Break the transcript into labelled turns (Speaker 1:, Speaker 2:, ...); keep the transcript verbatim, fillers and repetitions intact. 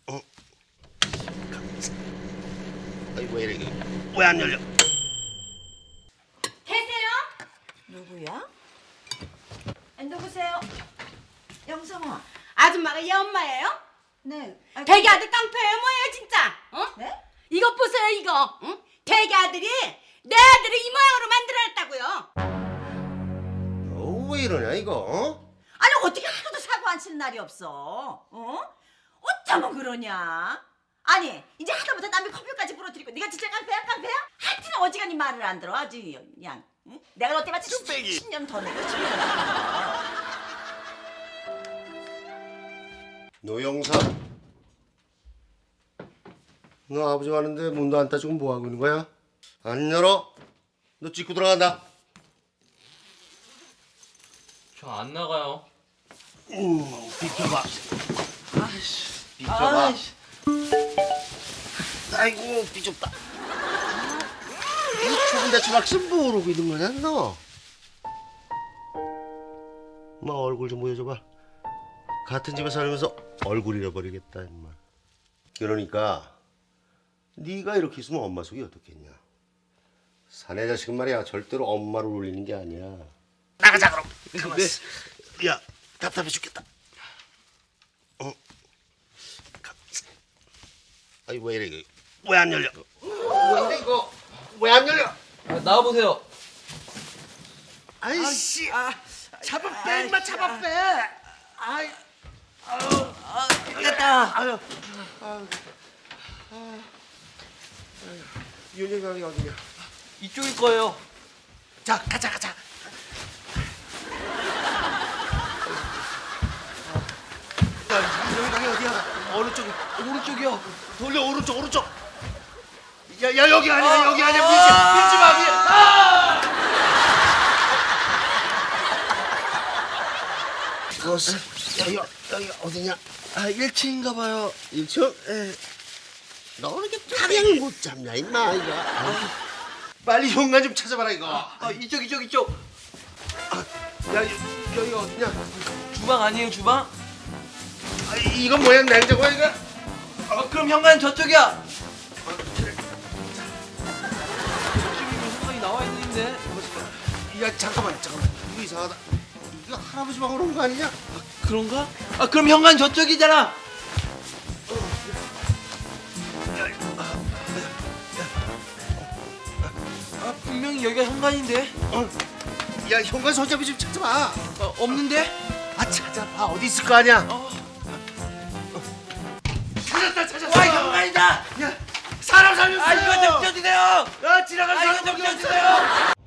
Speaker 1: 어? 아이 왜 이래? 왜 안 열려?
Speaker 2: 계세요?
Speaker 3: 누구야? 아, 누구세요? 영성아.
Speaker 2: 아줌마가 얘 엄마예요?
Speaker 3: 네. 아,
Speaker 2: 대기 아들 깡패예요 뭐예요 진짜? 어?
Speaker 3: 네?
Speaker 2: 이것 보세요 이거. 응? 대기 아들이 내 아들을 이 모양으로 만들어냈다고요.
Speaker 1: 너 왜 이러냐 이거? 어?
Speaker 3: 아니 어떻게 하루도 사고 안 치는 날이 없어? 어? 어쩌면 그러냐? 아니 이제 하다못해 남의 커피까지 부러뜨리고 네가 진짜 깡패야 깡패야? 하여튼 어지간히 말을 안 들어 아주 그냥 응? 내가 너 때마치 십 년 더 내고 십 년 더.
Speaker 1: 노영삼, 너 아버지 가는데 문도 안 따지고 뭐 하고 있는 거야? 안 열어? 너 찍고 들어간다.
Speaker 4: 저 안 나가요.
Speaker 1: 음, 비켜봐. 아이씨, 비켜봐.
Speaker 4: 아이씨.
Speaker 1: 아이고, 비좁다. 이 좁은 데서 막심 모르고 있는 거냐, 너? 엄마 얼굴 좀 보여줘봐. 같은 집에 살면서 얼굴 잃어버리겠다, 임마. 그러니까 네가 이렇게 있으면 엄마 속이 어떻겠냐. 사내 자식은 말이야 절대로 엄마를 울리는 게 아니야. 나가자 그럼. 가만 있어. 야 답답해 죽겠다. 어? 가만 있어. 아이 왜 이래? 왜 안 열려? 왜 이래 이거? 왜 안 열려?
Speaker 4: 아, 나와보세요.
Speaker 1: 아이씨. 잡아 빼 임마 잡아 빼. 아이.
Speaker 4: 됐다.
Speaker 1: 아유. 아유. 아유. 윤영이 어디냐?
Speaker 4: 이쪽일 거예요.
Speaker 1: 자 가자 가자. 야 윤영이 어디야? 어느 쪽이?
Speaker 4: 오른쪽이요.
Speaker 1: 돌려 오른쪽 오른쪽. 야, 야 여기 아니야 여기 아니야 밀지 밀지 마 밀. 아! 그것은 여기 여기 어디냐?
Speaker 4: 아, 일 층인가 봐요.
Speaker 1: 일 층? 에. 너 이렇게 방향을 못 잡냐 임마 이거. 아, 빨리 현관 좀 찾아봐라 이거.
Speaker 4: 아, 이쪽, 이쪽, 이쪽.
Speaker 1: 야 여기 어디냐?
Speaker 4: 주방 아니에요, 주방?
Speaker 1: 아, 이건 뭐야 냉장고야 이거?
Speaker 4: 아, 그럼 현관은 저쪽이야. 지금 현관이 나와 있는데.
Speaker 1: 야 잠깐만 잠깐만 이거 이상하다. 이거 할아버지 방으로 온 거 아니냐?
Speaker 4: 그런가? 아, 그럼 현관 저쪽이잖아. 아, 분명히 여기가 현관인데.
Speaker 1: 어. 야 현관 손잡이 좀 찾아봐.
Speaker 4: 어, 없는데?
Speaker 1: 아 찾아봐 어디 있을 거 아니야?
Speaker 4: 어.
Speaker 1: 찾았다 찾았어.
Speaker 4: 와, 현관이다.
Speaker 1: 야 사람 살렸어.
Speaker 4: 아, 이거 좀 펴주세요.
Speaker 1: 야 지나갈
Speaker 4: 아,
Speaker 1: 사람
Speaker 4: 이거 좀
Speaker 1: 거기 없어.
Speaker 4: 펴주세요.